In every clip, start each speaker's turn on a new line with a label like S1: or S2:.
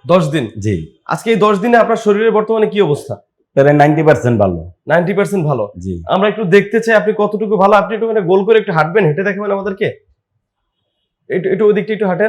S1: 10 দিন।
S2: জি।
S1: আজকে এই 10 দিনে আপনার শরীরের বর্তমানে কি অবস্থা?
S2: প্রায় 90% ভালো।
S1: 90% ভালো।
S2: জি।
S1: আমরা একটু দেখতে চাই আপনি কতটুকু ভালো। আপনি একটু গোল করে একটু হাঁটবেন, হেঁটে দেখাবেন আমাদেরকে। একটু ওই দিকটা একটু হাঁটেন।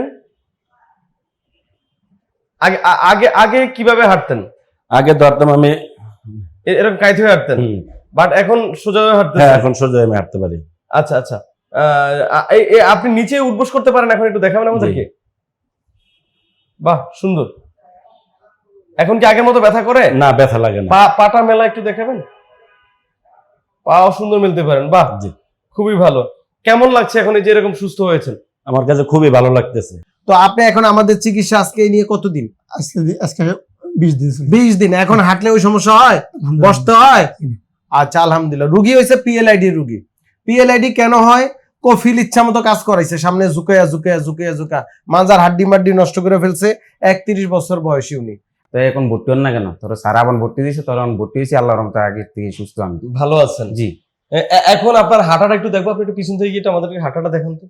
S1: আগে আগে কিভাবে হাঁটতেন?
S2: আগে ধরতাম আমি
S1: এরকম কাইত হয়ে হাঁটতেন, বাট এখন সোজা হয়ে হাঁটতেন।
S2: হ্যাঁ, এখন সোজা আমি হাঁটতে পারি।
S1: আচ্ছা আচ্ছা। আপনি নিচে উঠবোস করতে পারেন, এখন একটু দেখাবেন আমাদেরকে। বাহ, সুন্দর। এখন কি আগের মতো ব্যথা করে?
S2: না, ব্যথা লাগে না।
S1: পাটা মেলা একটু দেখাবেন। পাও সুন্দর মেলতে পারেন। বাহ,
S2: জি,
S1: খুবই ভালো। কেমন লাগছে এখন এই যে এরকম সুস্থ হয়েছেন?
S2: আমার কাছে খুবই ভালো লাগতেছে।
S3: তো আপনি এখন আমাদের চিকিৎসা আজকে নিয়ে কতদিন?
S4: আজকে 20 দিন।
S3: 20 দিন। এখন হাঁটলে ওই সমস্যা হয়, বসতে হয়? আচ্ছা, আলহামদুলিল্লাহ। রুগী হয়েছে পিএলআইডি রুগী। পিএলআইডি কেন হয়? কফিল ইচ্ছা মতো কাজ করাইছে, সামনে ঝুঁকা মাজার হাড্ডি মাড্ডি নষ্ট করে ফেলছে। 31 বছর বয়সী উনি।
S5: তো এখন ভর্তি হন না কেন? তোর স্যার আবার ভর্তি দিয়েছে, তোর ভর্তি হয়েছি, আল্লাহর রহমতে আগে থেকে সুস্থ আমি।
S1: ভালো আছেন?
S5: জি।
S1: এখন আপনার হাঁটাটা একটু দেখবো, আপনি একটু পিছন থেকে গিয়ে আমাদেরকে হাঁটাটা দেখান তো।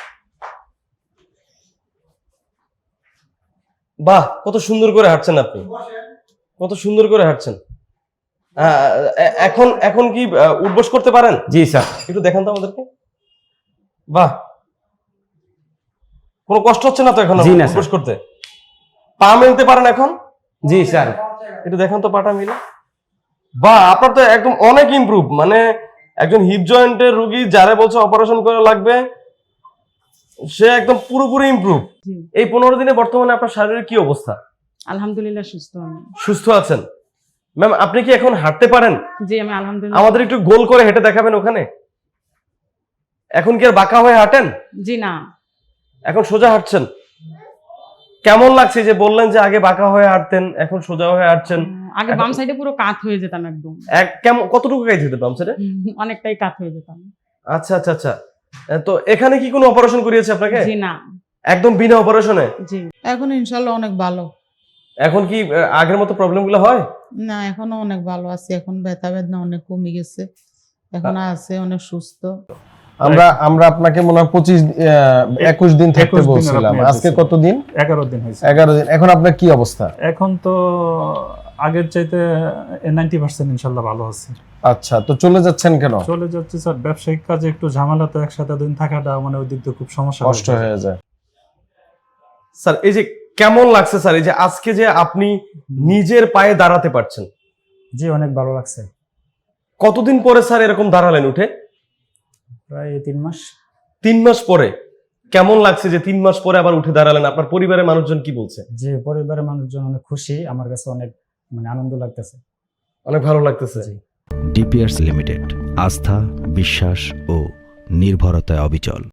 S1: বাহ, কত সুন্দর করে হাঁটছেন আপনি, কত সুন্দর করে হাঁটছেন। এখন এখন কি উঠবোস করতে পারেন?
S5: জি স্যার।
S1: একটু দেখান তো আমাদেরকে। বাহ, কোনো কষ্ট হচ্ছে না তো এখন
S5: জি না,
S1: উঠবোস করতে? পা মেলতে পারেন এখন?
S5: জি স্যার।
S1: একটু দেখান তো পাটা মিলে। বাহ, আপনার তো একদম অনেক ইমপ্রুভ। মানে একজন হিপ জয়েন্টের রোগী যারা বলছে অপারেশন করা লাগবে, সে একদম পুরোপুরি ইমপ্রুভ। এই 15 দিনে বর্তমানে আপনার শারীরিক কি অবস্থা?
S6: আলহামদুলিল্লাহ সুস্থ আমি।
S1: সুস্থ আছেন? ম্যাম, আপনি কি এখন হাঁটতে পারেন?
S6: জি, আমি আলহামদুলিল্লাহ।
S1: আমাদের একটু গোল করে হেঁটে দেখাবেন ওখানে। এখন কি আর বাঁকা হয়ে হাঁটেন?
S6: জি না,
S1: এখন সোজা হাঁটছেন। কেমন লাগছে যে বললেন যে আগে বাঁকা হয়ে হাঁটতেন, এখন সোজা হয়ে হাঁটছেন?
S6: আগে বাম সাইডে পুরো কাত হয়ে যেতাম একদম।
S1: কতটুকু কাজ হতো বাম সাইডে?
S6: অনেকটাই কাত হয়ে যেতাম।
S1: আচ্ছা আচ্ছা আচ্ছা। তো এখানে কি কোনো অপারেশন করিয়েছে আপনাকে?
S6: জি না।
S1: একদম বিনা অপারেশনে?
S6: জি।
S7: এখন ইনশাল্লাহ অনেক ভালো।
S1: এখন কি আগের মতো প্রবলেমগুলো হয়?
S7: না, এখনো অনেক ভালো আছি। এখন ব্যথা বেদনা অনেক কমে গেছে, এখন আছে অনেক সুস্থ।
S3: আমরা আপনাকে মনে হয় 21 দিন থাকতে বলছিলাম। আজকে কত দিন?
S4: 11 দিন হয়েছে।
S3: 11 দিন। এখন আপনার কি অবস্থা?
S4: এখন তো আগের চাইতে 90% ইনশাল্লাহ ভালো আছে।
S3: আচ্ছা, তো চলে যাচ্ছেন কেন?
S4: চলে যাচ্ছে স্যার, ব্যবসায়িক কাজে একটু ঝামেলা, তো একসাথে দিন থাকাটা মানে ওই দিক দিয়ে খুব সমস্যা,
S3: কষ্ট হয়ে যায়।
S1: স্যার, এই যে কেমন লাগছে স্যার, এই যে আজকে যে আপনি নিজের পায়ে দাঁড়াতে পারছেন?
S4: জি, অনেক ভালো লাগছে।
S1: কতদিন পরে স্যার এরকম দাঁড়ালেন উঠে?
S4: প্রায় 3 মাস।
S1: 3 মাস পরে। কেমন লাগছে যে 3 মাস পরে আবার উঠে দাঁড়ালেন? আপনার পরিবারের মানুষজন কি বলছে?
S4: যে পরিবারের মানুষজন অনেক খুশি, আমার কাছে অনেক মানে আনন্দ লাগতেছে,
S1: অনেক ভালো লাগতেছে।
S8: ডিপিআরস লিমিটেড, আস্থা, বিশ্বাস ও নির্ভরতায় অবিচল।